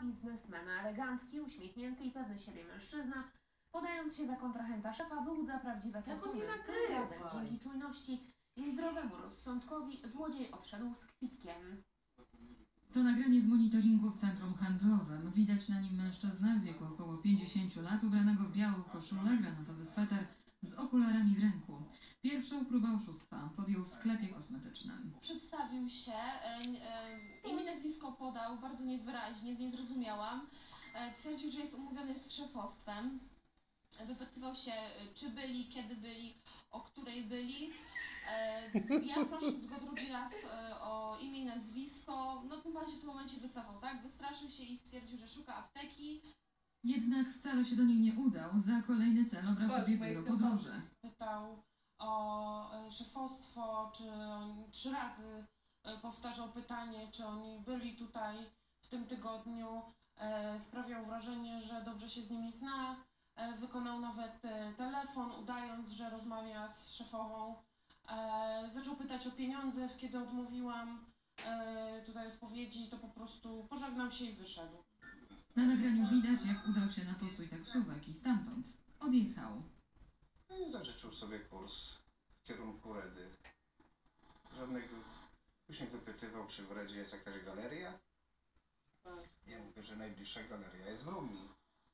biznesmena. Elegancki, uśmiechnięty i pewny siebie mężczyzna, podając się za kontrahenta szefa, wyłudza prawdziwe fortuny. Dzięki czujności i zdrowemu rozsądkowi złodziej odszedł z kwitkiem. To nagranie z monitoringu w centrum handlowym. Widać na nim mężczyznę w wieku około 50 lat, ubranego w białą koszulę, granatowy sweter, z okularami w ręku. Pierwszą próbę oszustwa podjął w sklepie kosmetycznym. Przedstawił się, imię, nazwisko podał bardzo niewyraźnie, nie zrozumiałam. Twierdził, że jest umówiony z szefostwem. Wypytywał się, czy byli, kiedy byli, o której byli. Ja prosząc go drugi raz o imię i nazwisko, no pan się w tym momencie wycofał, tak? Wystraszył się i stwierdził, że szuka apteki. Jednak wcale się do niej nie udał. Za kolejny cel obrał sobie biuro podróży. Pytał o szefostwo, czy on 3 razy powtarzał pytanie, czy oni byli tutaj w tym tygodniu. Sprawiał wrażenie, że dobrze się z nimi zna. Wykonał nawet telefon, udając, że rozmawia z szefową. Zaczął pytać o pieniądze, kiedy odmówiłam tutaj odpowiedzi, to po prostu pożegnał się i wyszedł. Na nagraniu widać, jak udał się na postój taksówek i stamtąd odjechał. I zażyczył sobie kurs w kierunku Redy. Żadnego. Później wypytywał, czy w Redzie jest jakaś galeria. Ja mówię, że najbliższa galeria jest w Rumii.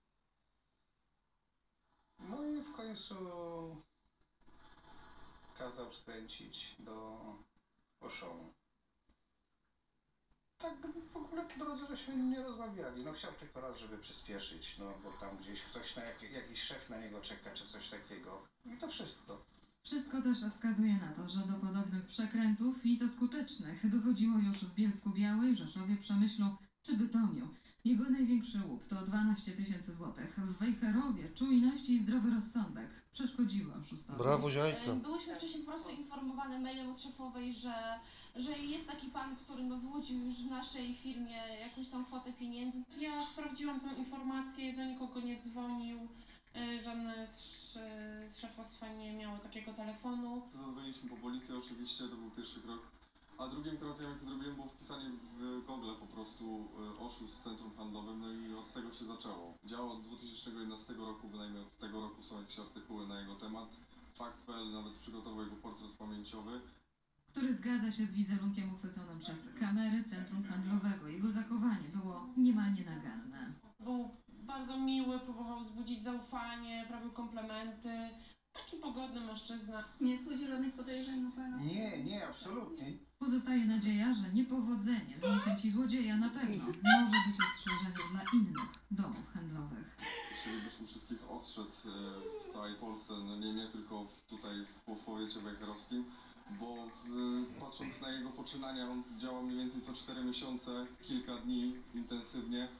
No i w końcu kazał skręcić do Auchan. Tak w ogóle po drodze żeśmy nie rozmawiali. No chciał tylko raz, żeby przyspieszyć, no bo tam gdzieś ktoś, jakiś szef na niego czeka, czy coś takiego. I to wszystko. Wszystko też wskazuje na to, że do podobnych przekrętów, i to skutecznych, dochodziło już w Bielsku-Białej, Rzeszowie, Przemyślu czy Bytomiu. Jego największy łup to 12 000 złotych. W Wejherowie czujność i zdrowy rozsądek przeszkodziły oszustowi. Brawo, Ziajka. Byłyśmy wcześniej po prostu informowane mailem od szefowej, że jest taki pan, który wyłudził już w naszej firmie jakąś tam kwotę pieniędzy. Ja sprawdziłam tę informację, do nikogo nie dzwonił, żadne z szefostwa nie miało takiego telefonu. Zadzwoniliśmy po policję oczywiście, to był pierwszy krok. A drugim krokiem, jaki zrobiłem, było wpisanie w Google po prostu oszust w centrum handlowym, no i od tego się zaczęło. Działa od 2011 roku, bynajmniej od tego roku są jakieś artykuły na jego temat. Fakt.pl nawet przygotował jego portret pamięciowy, który zgadza się z wizerunkiem uchwyconym przez kamery centrum handlowego. Jego zachowanie było niemal nienaganne. Był bardzo miły, próbował wzbudzić zaufanie, prawił komplementy. Taki pogodny mężczyzna. Nie schodzi żadnych podejrzeń na pana? Nie, absolutnie. Pozostaje nadzieja, że niepowodzenie z niechęci złodzieja na pewno może być ostrzeżeniem dla innych domów handlowych. Chcielibyśmy wszystkich ostrzec w całej Polsce, no nie tylko tutaj w powiecie wejherowskim, bo patrząc na jego poczynania, on działa mniej więcej co 4 miesiące, kilka dni intensywnie,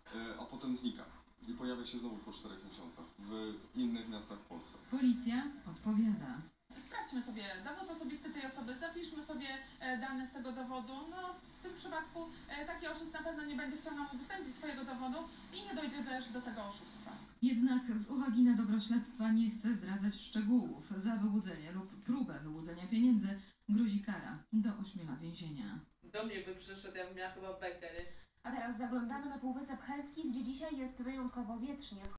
a potem znika. I pojawia się znowu po 4 miesiącach w innych miastach w Polsce. Policja odpowiada. Sprawdźmy sobie dowód osobisty tej osoby, zapiszmy sobie dane z tego dowodu. No, w tym przypadku taki oszust na pewno nie będzie chciał nam udostępnić swojego dowodu i nie dojdzie też do tego oszustwa. Jednak z uwagi na dobro śledztwa nie chce zdradzać szczegółów. Za wyłudzenie lub próbę wyłudzenia pieniędzy grozi kara do 8 lat więzienia. Do mnie by przyszedł, ja bym miała chyba bekę, nie? A teraz zaglądamy na Półwysep Helski, gdzie dzisiaj jest wyjątkowo wietrznie.